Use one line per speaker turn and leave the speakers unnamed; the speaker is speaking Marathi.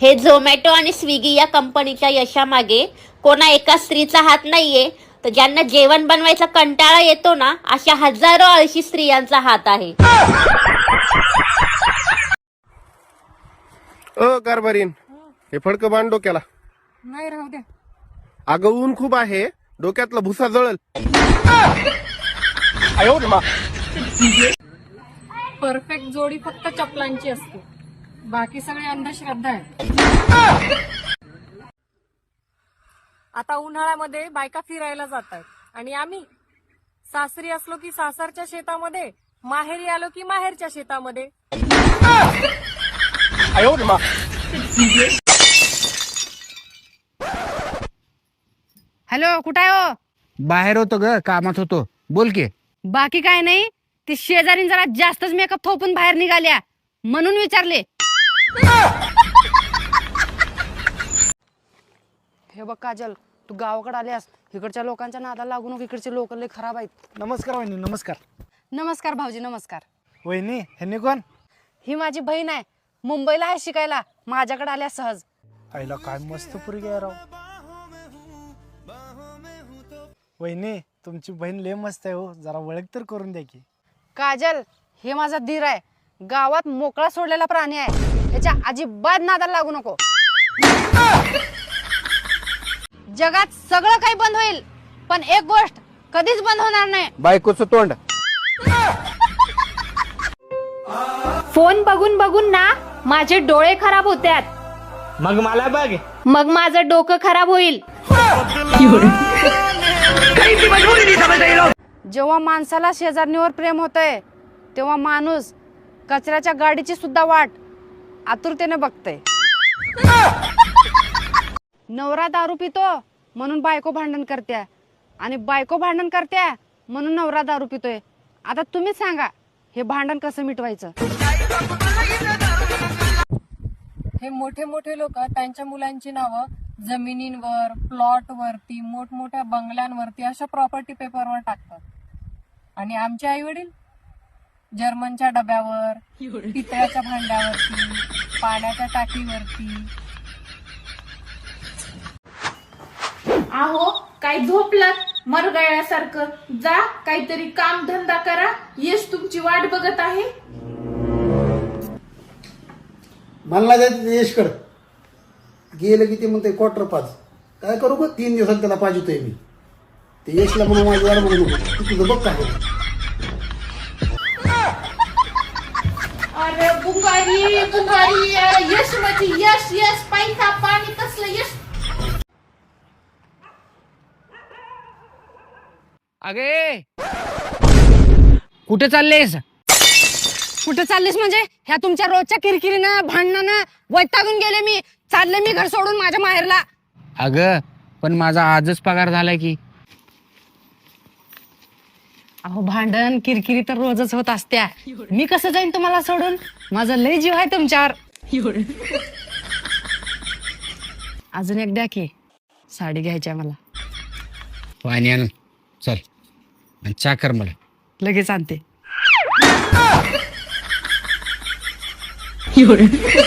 हे झोमॅटो आणि स्विगी या कंपनीच्या यशामागे कोणा एका स्त्रीचा हात नाहीये, तर ज्यांना जेवण बनवायचा कंटाळा येतो ना, अशा हजारो आळशी स्त्रियांचा हात आहे.
कारभारीन, हे फडकं बांध डोक्याला.
नाही, राहू द्या.
अगं ऊन खूप आहे, डोक्यातला भुसा जळल.
परफेक्ट जोडी फक्त चपलांची असते, बाकी सगळे अंधश्रद्धा आहे. आता उन्हाळ्यामध्ये बायका फिरायला जातात आणि आम्ही सासरी असलो की सासरच्या शेतामध्ये, माहेरी आलो की माहेरच्या शेतामध्ये.
हॅलो, कुठं आहे हो?
बाहेर होतो ग, कामात होतो. बोल की.
बाकी काय नाही, ती शेजारी जरा जास्तच मेकअप थोपून बाहेर निघाल्या म्हणून विचारले. हे बघ काजल, तू गावाकडे आल्यास इकडच्या लोकांच्या नादाला लागू नको. इकडचे लोक लय खराब आहेत.
नमस्कार वहिनी. नमस्कार.
नमस्कार भाऊजी. नमस्कार.
वहिनी, ह्यांनी कोण?
ही माझी बहीण आहे, मुंबईला आहे शिकायला. माझ्याकडे आल्या सहज.
आईला काय मस्त पोरगी आहे राव. वहिनी, तुमची बहीण लय मस्त आहे हो, जरा ओळख तर करून द्या की.
काजल, हे माझा धीर आहे, गावात मोकळा सोडलेला प्राणी आहे, त्याच्या अजिबात नादाला लागू नको. जगात सगळं काही बंद होईल, पण एक गोष्ट कधीच बंद होणार नाही,
बायकोचं तोंड.
फोन बघून बघून ना माझे डोळे खराब होतात,
मग मला बघ.
मग माझं डोकं खराब होईल.
जेव्हा माणसाला शेजारणीवर प्रेम होतंय, तेव्हा माणूस कचऱ्याच्या गाडीची सुद्धा वाट आतुरतेने बघतय. नवरा दारू पितो म्हणून बायको भांडण करत्या, आणि बायको भांडण करत्या म्हणून नवरा दारू पितोय. आता तुम्हीच सांगा, हे भांडण कसं मिटवायचं?
हे मोठे मोठे लोक त्यांच्या मुलांची नावं जमिनींवर, प्लॉट वरती, मोठमोठ्या बंगल्यांवरती, अशा प्रॉपर्टी पेपरवर टाकतात. आणि आमचे आई वडील जर्मनच्या डब्यावर, पितळ्याच्या भांड्यावरती, पाण्याच्या टाकीवरती.
आहो, काय झोपलात मरगळ्यासारखं? जा, काहीतरी काम धंदा करा. यश तुमची वाट बघत आहे.
मला जायचं यशकड गेलं की ते म्हणते क्वार्टर पाच. काय करू ग, 3 दिवसात त्याला पाहिजे मी. ते यशला म्हणून माझी वाट म्हणू नको, तू तुझं बघ काय.
अरे बुंगारी बुंगारी, यश म्हणजे यश, यश पैसा पाणी कसलं यश.
अगे, कुठे चाललेस?
कुठे चाललीस म्हणजे? ह्या तुमच्या रोजच्या किरकिरीनं भांडणानं वैतागून गेले मी. चालले मी घर सोडून माझ्या माहेरला.
अगं, पण माझा आजच पगार झालाय की.
अहो, भांडण किरकिरी तर रोजच होत असत्या. मी कसं जाईन तुम्हाला सोडून? माझा लय जीव आहे तुमच्यावर. अजून एक द्या की, साडी घ्यायची आहे मला.
पाणी आण, चल. आणि चा कर मला.
लगेच आणते.